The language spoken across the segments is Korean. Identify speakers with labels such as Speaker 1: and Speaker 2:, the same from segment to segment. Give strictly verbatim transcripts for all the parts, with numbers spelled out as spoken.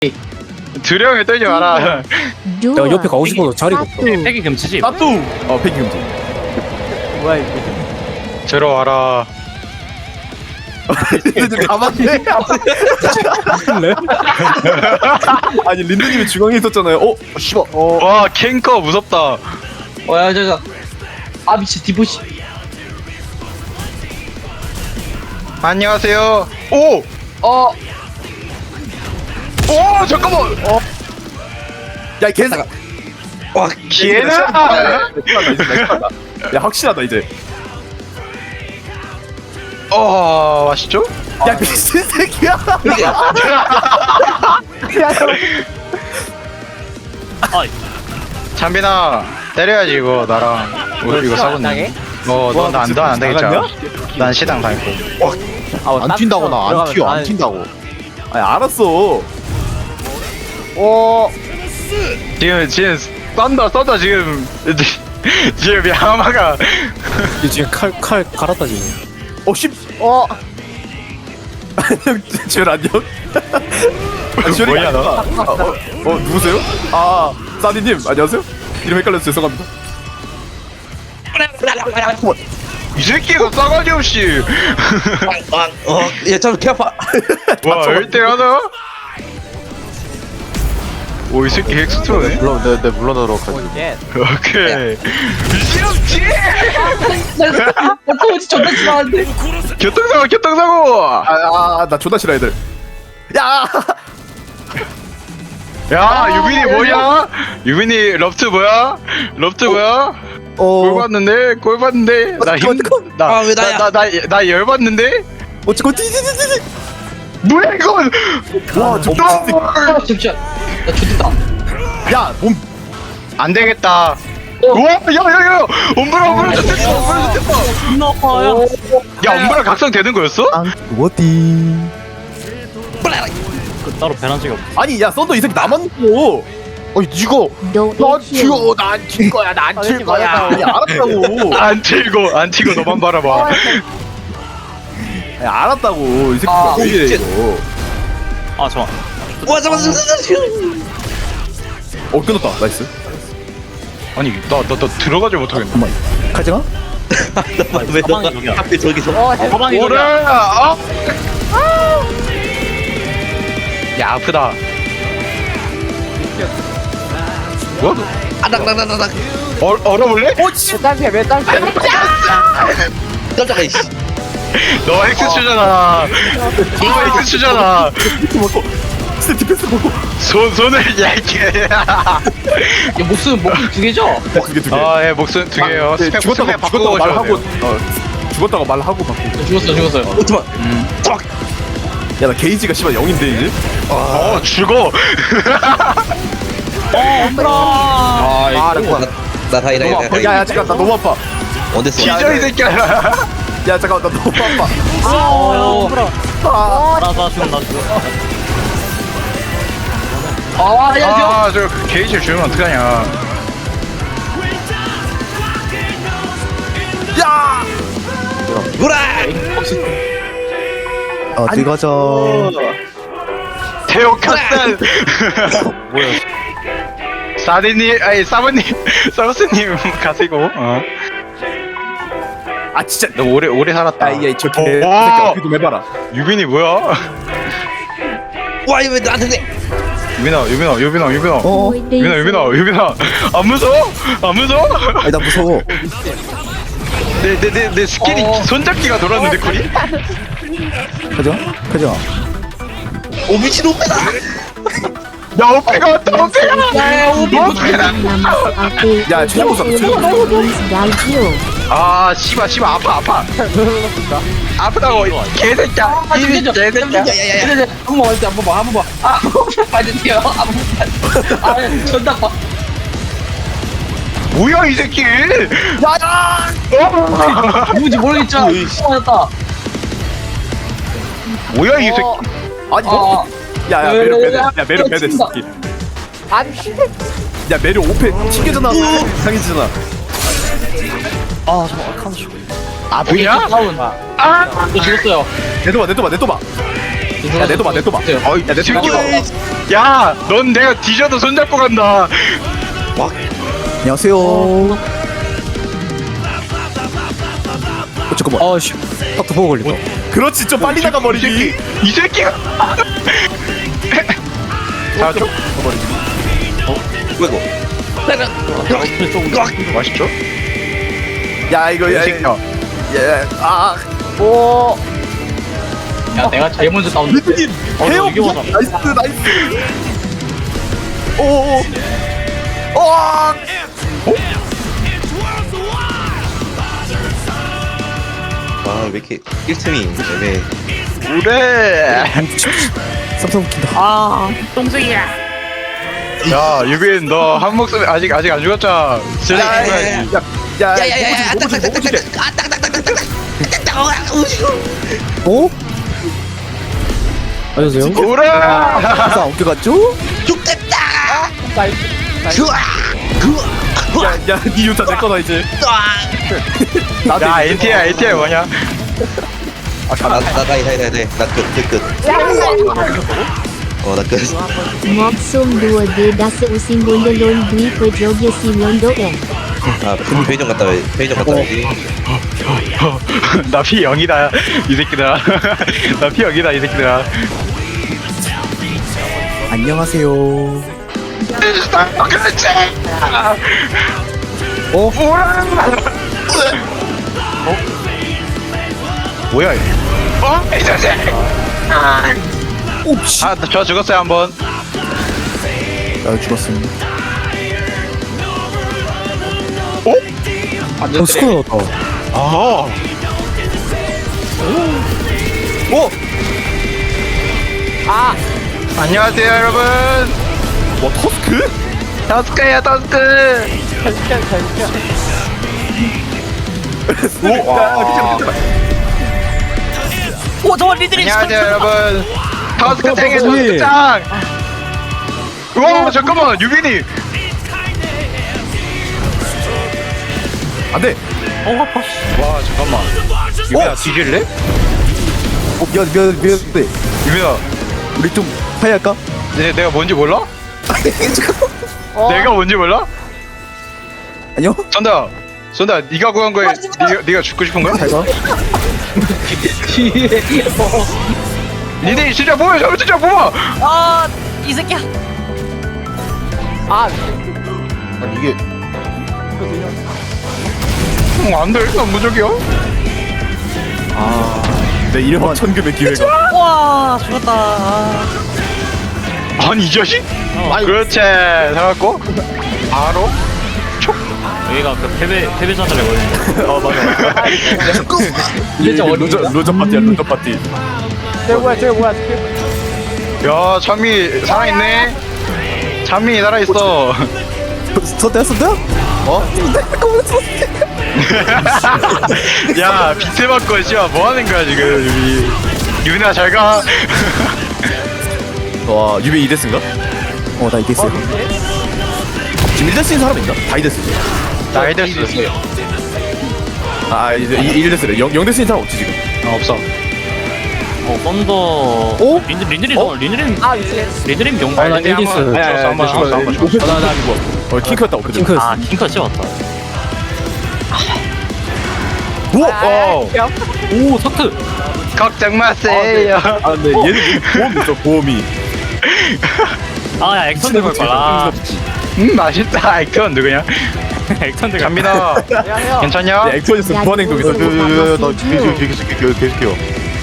Speaker 1: 두려움에 떨지 마라.
Speaker 2: 내가 옆에 가고 싶어도 자리가 없어.
Speaker 3: 폐기 금지지.
Speaker 4: 나또 어 폐기 금지.
Speaker 2: 뭐야 이게?
Speaker 1: 들어와라.
Speaker 4: 린드님 가만히 해. 아니 린드님이 중앙에 있었잖아요. 어? 씨발. 어.
Speaker 1: 와 캔커 무섭다.
Speaker 5: 어야 저저 아 미친 디보시.
Speaker 1: 안녕하세요. 오!
Speaker 5: 어
Speaker 1: 오 잠깐만. 어
Speaker 4: 야 이 개새끼.
Speaker 5: 와
Speaker 1: 기회는.
Speaker 4: 야 확실하다 이제.
Speaker 1: 어 맛있죠?
Speaker 4: 야 미친 새끼야.
Speaker 1: 잠빈아 때려야지 이거 나랑. 우리 이거 싸웠네. 어너안안 되겠잖아. 난 시당 다니고.
Speaker 2: 안 튄다고 나 안 튀어 안 튄다고.
Speaker 4: 아니 알았어.
Speaker 2: 어.
Speaker 1: 지금 지금 썬다 썬다 지금 지금 야마가
Speaker 2: 얘 지금 칼 칼 갈았다 지금.
Speaker 4: 어 씨.
Speaker 2: 어.
Speaker 4: 안녕 쟤 안녕. 아, 쟤
Speaker 1: 뭐야, 너?
Speaker 4: 어, 어, 어 누구세요? 아 사디님 안녕하세요. 이름 헷갈려서 죄송합니다.
Speaker 1: 이 새끼가 싸가지 없이.
Speaker 5: 어야잠 개 아파.
Speaker 1: 와 일 대 하나? 오 이 새끼 헥스트로네.
Speaker 2: 물론 내 내 물러나도록 하지.
Speaker 1: 오케이. 미친놈지.
Speaker 5: 나 코치 존나 싫어하는데.
Speaker 1: 교통사고 교통사고.
Speaker 4: 아나 존나 싫어 애들. 야.
Speaker 1: 야 유빈이 뭐냐? 유빈이 럽트 뭐야? 럽트 뭐야? 골
Speaker 4: 어.
Speaker 1: 봤는데 골 봤는데
Speaker 4: 아,
Speaker 5: 왜 나야?
Speaker 1: 나나나나 열받는데.
Speaker 4: 어찌고 띠띠띠띠.
Speaker 1: 뭐야 이건?
Speaker 4: 와 저.
Speaker 5: 아 잠시만 나 죽겠다.
Speaker 4: 야몸
Speaker 1: 안 되겠다. 우와 야야야 엄브라 엄브라 좋댔다 엄브라 좋댔다.
Speaker 3: 존나 아파요.
Speaker 1: 야 엄브라 각성 되는 거였어?
Speaker 4: 뭐디.
Speaker 3: 그 따로 배난 적이 없어.
Speaker 4: 아니 야 썬더 이 새끼 나만 놓고.
Speaker 2: 어 이거.
Speaker 4: 난 튀어 난튈 거야 난튈 거야. 아니 알았다고.
Speaker 1: 안 튀고 안 튀고 너만 바라봐.
Speaker 4: 아니 알았다고 이 새끼
Speaker 5: 아,
Speaker 4: 왜 이래
Speaker 5: 진짜.
Speaker 4: 이거.
Speaker 3: 아 잠깐.
Speaker 5: 와 잠깐 잠깐.
Speaker 4: 어 끊었다 나이스.
Speaker 1: 아니 나 나 나 들어가지 못하겠네.
Speaker 4: 가지마.
Speaker 5: 왜
Speaker 3: 사방이
Speaker 5: 너가
Speaker 3: 저기야.
Speaker 5: 하필 저기서?
Speaker 3: 어 사방이
Speaker 1: 오래.
Speaker 3: 저기야.
Speaker 1: 아. 야 아프다. 뭐?
Speaker 5: 아닥닥닥닥.
Speaker 1: 얼 얼어볼래?
Speaker 2: 딴피야 왜 딴피야?
Speaker 5: 깜짝이야 이씨.
Speaker 1: 너 엑스추잖아. 너 엑스추잖아.
Speaker 4: 디펜스 먹고. 스텝 디펜스 먹고.
Speaker 1: 손 손을 야이게.
Speaker 5: 야 목숨 목숨 두 개죠?
Speaker 4: 그게 두 개.
Speaker 1: 아예 목숨 두 개요.
Speaker 4: 네,
Speaker 1: 스펙
Speaker 4: 죽었다가
Speaker 1: 스펙
Speaker 4: 죽었다가
Speaker 1: 바꾸고
Speaker 4: 말하고
Speaker 1: 오셔도
Speaker 4: 어 죽었다가 말하고 바꾸고.
Speaker 5: 죽었어 죽었어요. 어 잠깐.
Speaker 4: 야나 게이지가 씨발 영인데 이제.
Speaker 1: 어 죽어.
Speaker 4: 아 이거.
Speaker 5: 나 다이다
Speaker 4: 너무 아파. 야야 잠깐 나 너무 아파.
Speaker 5: 언제 써?
Speaker 1: 기저 이 새끼야.
Speaker 4: 야 잠깐 나 너무 아파.
Speaker 3: 어.
Speaker 4: 아.
Speaker 3: 나나 죽어 나 죽어.
Speaker 5: 아야
Speaker 1: 아저 게이지 주면 어떡하냐.
Speaker 4: 야.
Speaker 5: 구라.
Speaker 4: 어디 가자.
Speaker 1: 태오 카스탄. 뭐야? 사디님 아니 사부님 사부스님 가시고. 어.
Speaker 4: 아 진짜.
Speaker 1: 너 오래 오래 살았다.
Speaker 4: 야야 저 개.
Speaker 1: 오.
Speaker 4: 새끼 어떻게 좀 해봐라.
Speaker 1: 유빈이 뭐야?
Speaker 5: 와 이거 왜 나한테 돼?
Speaker 1: 유빈아 유빈아 유빈아 유빈아.
Speaker 4: 어.
Speaker 1: 유빈아 유빈아 유빈아 안 무서워? 안 무서워?
Speaker 4: 아니 나 무서워.
Speaker 1: 내 내 내 내 스킬이
Speaker 5: 어.
Speaker 1: 손잡기가 돌았는데 쿨이?
Speaker 4: 가자 가자.
Speaker 5: 오 미친 오빠다.
Speaker 1: 야 오페가 왔다 오페가.
Speaker 5: 야 오비
Speaker 1: 오페다.
Speaker 4: 야 최고사 최고.
Speaker 1: 아 씨발 씨발 아파 아파. 아프다고 개새끼야. 이 개새끼야.
Speaker 5: 야야야. 한번 할때 한번 봐. 한번 봐. 아, 봐야 돼요. 한번 봐. 아, 존나 봐.
Speaker 1: 뭐야 이 새끼.
Speaker 4: 야야.
Speaker 5: 누군지 모르겠죠. 맞았다.
Speaker 1: 뭐야 이 새끼.
Speaker 4: 아니
Speaker 5: 아,
Speaker 4: 야야 매력 배대. 야 매력 배대
Speaker 5: 친다.
Speaker 4: 새끼. 야 매력 오페 튕겨잖아. 상해지잖아.
Speaker 3: 아 잠깐 칸 죽어.
Speaker 1: 아프냐?
Speaker 5: 다운.
Speaker 1: 아.
Speaker 5: 저 죽었어요.
Speaker 4: 내도봐 내도봐 내도봐. 야 내도봐 내도봐.
Speaker 1: 어이 내 새끼가. 야넌 내가 뒤져도 손잡고 간다.
Speaker 2: 안녕하세요. 어, 잠깐만. 아씨, 탁트 보고 걸렸다.
Speaker 4: 그렇지 좀 빨리 나가
Speaker 1: 이
Speaker 4: 버리기.
Speaker 1: 새끼 이 새끼가. 자 좀. 맛있죠?
Speaker 4: 야 이거 야
Speaker 1: 이 새끼야.
Speaker 4: 예아
Speaker 2: 오.
Speaker 5: 야 내가 제일 먼저 싸웠는데.
Speaker 4: 리드님
Speaker 3: 어,
Speaker 4: 해요.
Speaker 3: 이게 맞아.
Speaker 4: 나이스 나이스. 오오. 와.
Speaker 6: 아, 왜 이렇게 일 틈이 애매해.
Speaker 1: 그래.
Speaker 2: 쌈싸 웃긴다.
Speaker 3: 아 똥쟁이야.
Speaker 1: 야 유빈 너 한 목숨 아직 아직 안 죽었잖아. 쓰레기
Speaker 6: 야, 야,
Speaker 1: 죽어야지.
Speaker 4: 야
Speaker 5: 야야야야
Speaker 4: 너무 조심 너무 조심.
Speaker 2: 어? 안녕하세요.
Speaker 1: 오라.
Speaker 2: 쌈싸 어떻게 갔죠?
Speaker 4: 야야니 유타 내 거다 이제. 나도
Speaker 1: 야
Speaker 4: 이제-
Speaker 1: 엔티야 엔티야 뭐냐?
Speaker 6: 나, 나, 나, 나, 나, 나, 나 끝, 끝, 끝. 어, 나 끝.
Speaker 7: Mopsum dua D das using gondelon dui pejogia simlondo e.
Speaker 6: 아, 편- 편의점 갔다 와, 편의점 갔다 와야지.
Speaker 1: 나 피 영이다 이 새끼들아. 나 피 영이다 이 새끼들아.
Speaker 2: 안녕하세요.
Speaker 1: 그렇지.
Speaker 2: 어?
Speaker 1: 오라. 어? 뭐야 이게? 어? 이 자식.
Speaker 2: 옵씨.
Speaker 1: 아, 저 죽었어요 한번.
Speaker 2: 나 죽었습니다.
Speaker 1: 어?
Speaker 2: 어, 스코어 넣었다.
Speaker 1: 아.
Speaker 2: 오!
Speaker 1: 아. 안녕하세요 여러분.
Speaker 4: 와 터스크?
Speaker 1: 더스크야 더스크.
Speaker 4: 오. 와.
Speaker 3: 오 저거 리드님.
Speaker 1: 안녕하세요 여러분. 더스크 탱의
Speaker 2: 어, 어, 어,
Speaker 1: 더스크 짱. 우와 잠깐만 유빈이.
Speaker 4: 안돼.
Speaker 3: 어 아파.
Speaker 1: 와 잠깐만. 유빈아 뒤질래?
Speaker 2: 어, 미안, 미안, 미안. 네.
Speaker 1: 유빈아.
Speaker 2: 우리 좀 화해할까?
Speaker 1: 내, 내가 뭔지 몰라? 내가 뭔지 몰라?
Speaker 2: 안녕?
Speaker 1: 선다 선다 네가 구한 거에 네가, 네가 죽고 싶은 거야?
Speaker 2: 잘 가.
Speaker 1: 니네 진짜 뭐야 저거 진짜 뭐야?
Speaker 3: 아이 새끼야.
Speaker 2: 아니, 이게.
Speaker 1: 어, 안돼 난 무적이야.
Speaker 4: 내 이름 천금의 기회가.
Speaker 3: 와 죽었다. 아.
Speaker 1: 아니 이 자식?
Speaker 3: 어.
Speaker 1: 그렇지 살았고 바로
Speaker 3: 여기가 그 패배 패배 전달해 버리는 거.
Speaker 4: 어 맞아.
Speaker 5: 이게 좀
Speaker 4: 로저
Speaker 5: 어린이다.
Speaker 4: 로저 파티야 로저 파티.
Speaker 1: 야 찬미 살아있네. 찬미 살아있어.
Speaker 2: 선대야, 선대야? 어?
Speaker 1: 야 빛에 맞고 씨발 뭐하는 거야 지금 유비. 유빈아 잘가.
Speaker 4: 와 유비 이데스인가?
Speaker 2: 어, 나 이겼어.
Speaker 4: 지금 일데스인 사람 있나? 다 이데스.
Speaker 1: 나이데스.
Speaker 4: 아 이제 일데스래. 영데스인 사람 없지 지금.
Speaker 1: 어, 없어.
Speaker 3: 어 썬더.
Speaker 2: 어?
Speaker 3: 린드 린드림 어? 린드림. 아 린드림 용.
Speaker 1: 아 나이데스.
Speaker 4: 아니, 아니, 아니,
Speaker 1: 한번
Speaker 4: 죽어.
Speaker 1: 죽었어 한번 죽었어.
Speaker 4: 나, 나, 이거. 어, 킹크였다, 오케이.
Speaker 2: 킹크.
Speaker 3: 아 킹커 씌웠다.
Speaker 1: 오! 어.
Speaker 3: 오 사트.
Speaker 1: 걱정 마세요.
Speaker 4: 아, 근데 얘는 보험이 있어, 보험이.
Speaker 3: 아야 액션 들걸 거라.
Speaker 1: 음 맛있다. 액션 누구냐?
Speaker 3: 액션 들.
Speaker 1: 잠민아 괜찮냐?
Speaker 4: 네, 액션에서 무한 행동 있어.
Speaker 7: 나 계속
Speaker 2: 계속해요.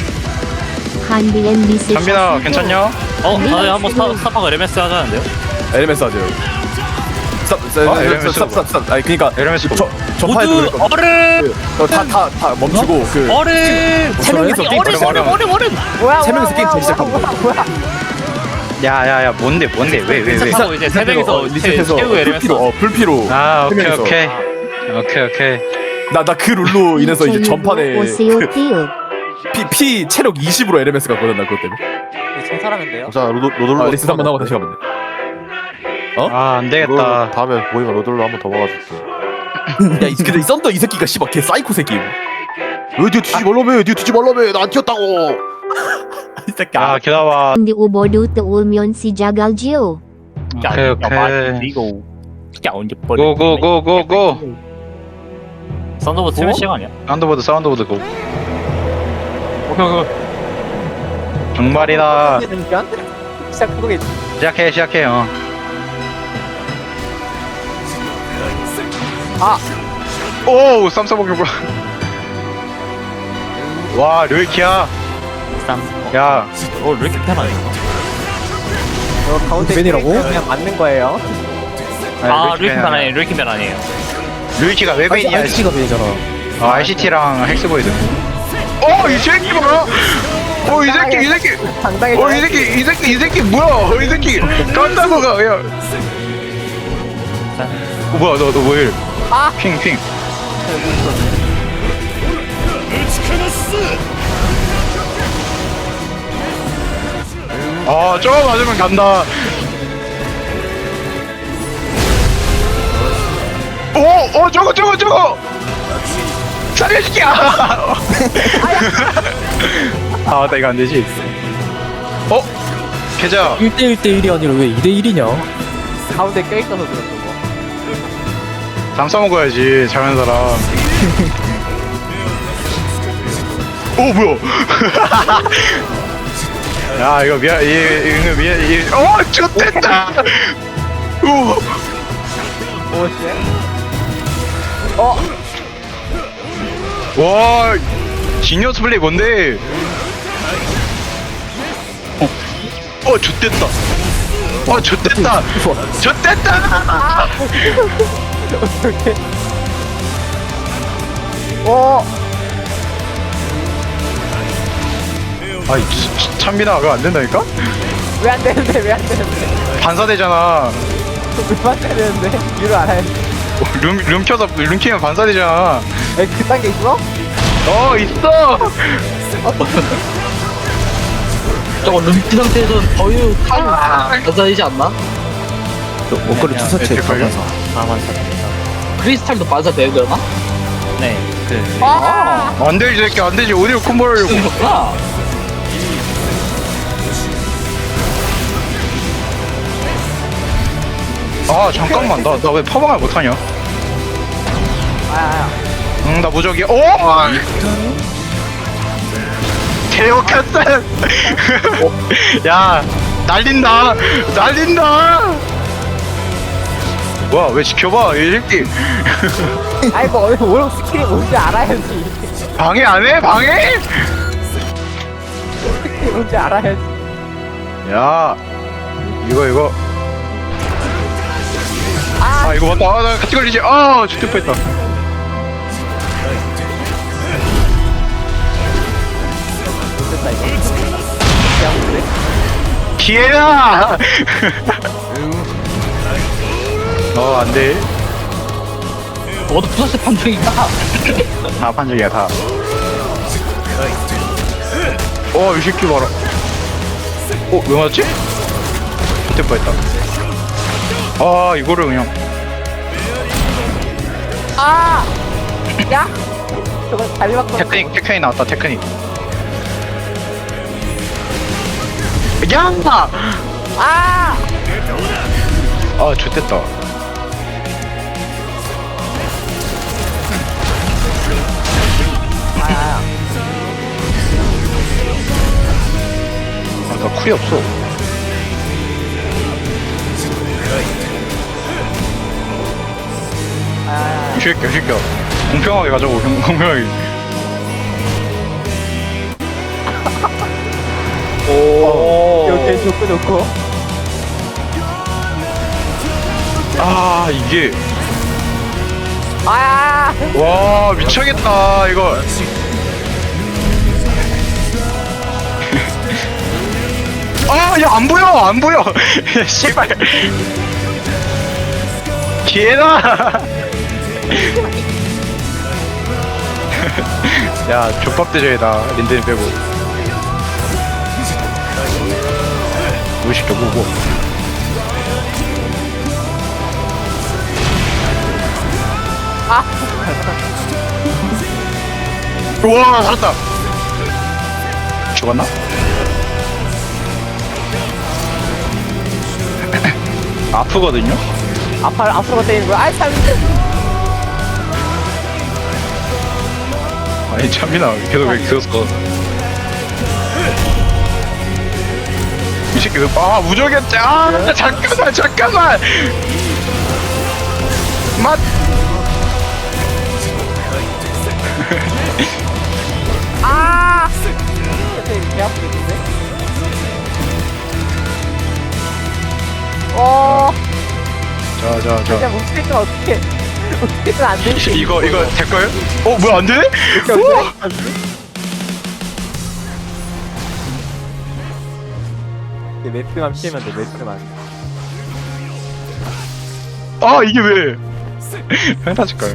Speaker 7: 한비엔 미스.
Speaker 1: 잠민아 괜찮냐?
Speaker 3: 어 다들 한번 스타 스타파가 에르메스 하자는데요?
Speaker 4: 엘엠에스 하죠. 스탑, 스탑,
Speaker 1: 어,
Speaker 4: 스탑,
Speaker 1: 엘엠에스
Speaker 4: 스탑, 스탑, 스탑. 아니, 그니까.
Speaker 1: 에르메스
Speaker 4: 저, 전파에도
Speaker 3: 모두
Speaker 4: 그랬거든.
Speaker 3: 얼음
Speaker 4: 어, 다, 다, 다 멈추고, 그.
Speaker 3: 얼음.
Speaker 4: 세 명이서
Speaker 3: 아니,
Speaker 4: 게임
Speaker 3: 얼음
Speaker 4: 시작하는
Speaker 3: 얼음 얼음 얼음.
Speaker 4: 세 명이서 게임 시작하는 거.
Speaker 1: 야야야 뭔데 뭔데 왜 왜 왜?
Speaker 3: 하고 이제 세 명이서
Speaker 4: 리셋해서
Speaker 3: 최후 에르메스.
Speaker 4: 불피로, 어, 불피로.
Speaker 1: 아
Speaker 4: 세
Speaker 1: 오케이
Speaker 4: 명이서.
Speaker 1: 오케이 오케이 오케이.
Speaker 4: 나, 나 그 룰로 인해서 이제 전판에.
Speaker 7: 오세요
Speaker 4: 그
Speaker 7: 띠우.
Speaker 4: 피, 피 체력 이십으로 엘엠에스 갔거든, 나 그것 때문에.
Speaker 3: 제 사람인데요?
Speaker 2: 자, 로드, 로드로.
Speaker 4: 아, 리셋 한번 하고 다시 가면 돼.
Speaker 1: 아 안되겠다.
Speaker 2: 다음에 보이면 로드로 한번 더 막아줄게.
Speaker 4: 야, 이, 근데 이 썬더 이 새끼가 씨발 개 사이코 새끼.
Speaker 2: 왜 뒤에 뒤지 말라며? 뒤에 뒤지 말라며? 나 안 튀었다고.
Speaker 4: 이 새끼.
Speaker 1: 야
Speaker 4: 아,
Speaker 1: 기다봐.
Speaker 7: Di ubodu ulmyon si Jagalgyo.
Speaker 3: 야,
Speaker 1: 오케이,
Speaker 3: 야,
Speaker 1: 오케이.
Speaker 3: 마- 이거 진짜 언제 뻔해.
Speaker 1: 고고고고고.
Speaker 3: 썬더보드 세면 시간 아니야?
Speaker 1: 사운드보드 사운드보드 고.
Speaker 3: 오케이 오케이.
Speaker 1: 정말이다.
Speaker 2: 시작하겠지.
Speaker 1: 시작해 시작해 어.
Speaker 2: 아!
Speaker 1: 오 쌈싸먹기 뭐야. 와 르이키야.
Speaker 3: 쌈.
Speaker 1: 야
Speaker 3: 어, 왜 이렇게 편하냐?
Speaker 2: 저 가운데 벤이라고? 그냥 맞는 거예요.
Speaker 3: 아,
Speaker 1: 르이키
Speaker 3: 르이키 면
Speaker 1: 벤
Speaker 3: 아니에요. 르이키 면 아니에요.
Speaker 1: 르이키가 왜 벤이야?
Speaker 2: 아이씨가 벤이잖아.
Speaker 1: 아, 아이씨티랑 헬스보이드. 어, 이 새끼 봐라. 어, 이 새끼, 이 새끼.
Speaker 2: 당당히.
Speaker 1: 어, 이 새끼, 이 새끼, 이 새끼 뭐야? 어, 이 새끼. 깜짝아가 야. 어, 뭐야, 너, 너 뭐해?
Speaker 2: 아!
Speaker 1: 핑, 핑. 아, 저거 맞으면 간다. 오, 어, 저거, 저거, 저거. 살려줄게. 아, 아, 맞다, 이거 안 되지. 어, 계좌.
Speaker 2: 일 대 일 대 일이 아니라 왜 이 대 일이냐? 가운데 껴있어서 그렇죠 뭐.
Speaker 1: 장 써먹어야지, 잘하는 사람. 오, 뭐야. 야, 이거 미안, 이, 이거 미안, 이, 어, 좋됐다. 오,
Speaker 2: 뭐지? 어?
Speaker 1: 와, 지니어스 플레이 뭔데? 어, 어, 좋됐다. 어, 좋됐다. 좋됐다.
Speaker 2: 어떻게? 어?
Speaker 1: 아이, 치- 치- 찬민아, 그거 안 된다니까?
Speaker 2: 왜 안 되는데? 왜 안 되는데?
Speaker 1: 반사되잖아.
Speaker 2: 왜 안 되는데? 이유를 알아야 돼.
Speaker 1: 어, 룸, 룸 켜서, 룸 키면 반사되잖아.
Speaker 2: 에, 그딴 게 있어?
Speaker 1: 어, 있어.
Speaker 5: 저거 룸피 상태에서는 더유 타임 반사되지 않나?
Speaker 2: 목걸이 투사체
Speaker 1: 될걸요?
Speaker 3: 다만 삽니다.
Speaker 5: 크리스탈도 반사돼요 그러나?
Speaker 3: 네, 그.
Speaker 2: 아!
Speaker 1: 안 되지, 새끼, 안 되지. 어디로 콤보를 하려고.
Speaker 5: 그렇구나.
Speaker 1: 아, 잠깐만. 나, 나 왜 파방을 못하냐?
Speaker 2: 아,
Speaker 1: 응, 나 무적이야. 오! 개혁했어! 야, 날린다! 날린다! 뭐야, 왜 지켜봐, 이 새끼.
Speaker 2: 아이 뭐 어디 뭘 스킬이 뭔지 알아야지.
Speaker 1: 방해 안 해? 방해?
Speaker 2: 스킬이 뭔지 알아야지.
Speaker 1: 야, 이거, 이거. 아, 이거 맞다. 아, 나 같이 걸리지. 아, 죽을 뻔 했다.
Speaker 2: 됐다 이거. 그냥 그래?
Speaker 1: 기회야! 어, 안 돼.
Speaker 5: 너도 부서스 판정이다.
Speaker 1: 다 판정이야, 다. 어, 이 새끼 봐라. 어, 왜 맞지? 그때 뻔했다. 아, 이거를 그냥.
Speaker 2: 아! 야! 저거 잘 맞고.
Speaker 1: 테크닉, 테크닉 나왔다, 테크닉. 야!
Speaker 2: 아!
Speaker 1: 아, 좋됐다.
Speaker 2: 아,
Speaker 1: 아, 나 쿨이 없어.
Speaker 2: 아,
Speaker 1: 이 새끼야, 이 새끼야. 공평하게 가자고, 공- 공평하게. 오.
Speaker 2: 이렇게 좋고 좋고.
Speaker 1: 아, 이게.
Speaker 2: 아!
Speaker 1: 와, 미쳐겠다, 이거. 아, 야, 안 보여, 안 보여. 씨발. 기회다. 야, 족밥 대전이다. 린드님 빼고. 뭐 시켜, 뭐, 뭐.
Speaker 2: 아!
Speaker 1: 우와, 살았다. 죽었나? 아프거든요?
Speaker 2: 아파 앞으로 때리는 거야. 아이 참.
Speaker 1: 아니 참이나 계속 왜 그었어? 이 새끼들 아 무적이었지. 아 잠깐만 잠깐만. 맛.
Speaker 2: 아. 개 아프겠는데? 어.
Speaker 1: 자자
Speaker 2: 진짜
Speaker 1: 자.
Speaker 2: 못 쓰면 어떡해. 어떻게든 안 되지.
Speaker 1: 이거 이거 될 거예요? 어 뭐야 안 되네? 우와!
Speaker 2: 이제 매트만 피면 돼. 매트만.
Speaker 1: 아 이게 왜? 펜타칠까요?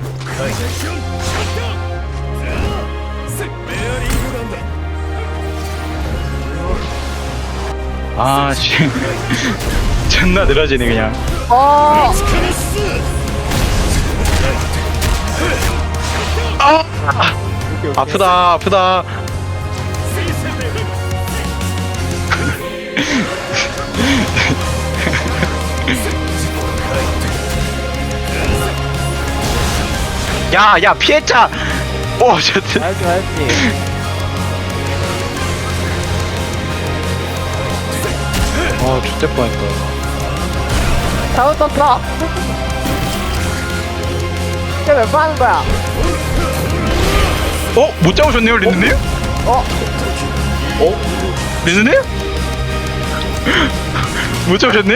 Speaker 1: 아 씨. 존나 늘어지네 그냥.
Speaker 2: 어.
Speaker 1: 아 아프다 아프다. 야, 야, 피했자! 오, 저,
Speaker 2: 알지 알지.
Speaker 1: 아, 죽될 뻔했다.
Speaker 2: 잘못 떴어. 이게 몇 번 하는 거야?
Speaker 1: 어? 못 잡으셨네요, 린드님?
Speaker 2: 어?
Speaker 1: 어? 린드님? 못 잡으셨네요?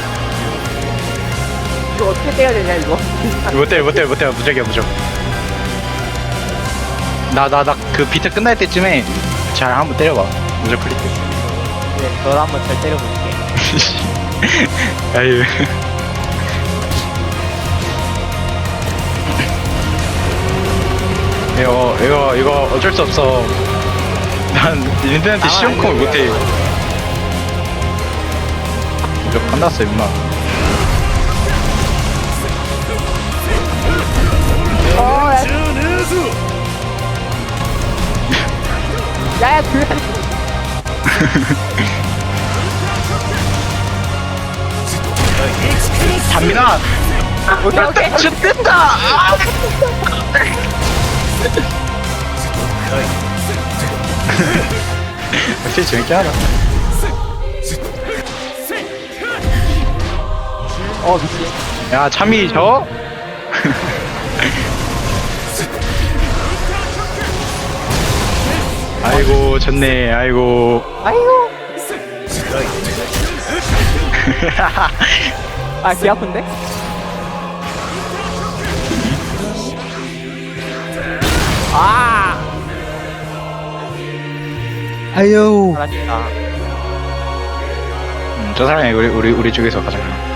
Speaker 2: 이거 어떻게 떼야 되냐 이거?
Speaker 1: 못해, 못해, 못해. 무적이야, 무적. 나, 나, 나, 그 비트 끝날 때쯤에 잘 한번 때려봐. 무적 클릭.
Speaker 2: 네, 너를 한번 잘 때려볼게.
Speaker 1: 아유. 이거, 이거, 이거 어쩔 수 없어. 난 린드한테 시험콤을 못해. 무적 끝났어, 임마.
Speaker 2: 어, 야. 야야 그.
Speaker 1: 담민아!
Speaker 2: 오케이 오케이.
Speaker 1: 죽겠다! 아! 역시 재밌게 하다.
Speaker 2: 어 미친.
Speaker 1: 야, 참이 저? 아이고, 졌네, 아이고.
Speaker 2: 아이고. 아, 귀 아픈데? 아!
Speaker 6: 아유.
Speaker 2: 잘하셨다.
Speaker 1: 음, 저 사람이 우리, 우리, 우리 쪽에서 가장.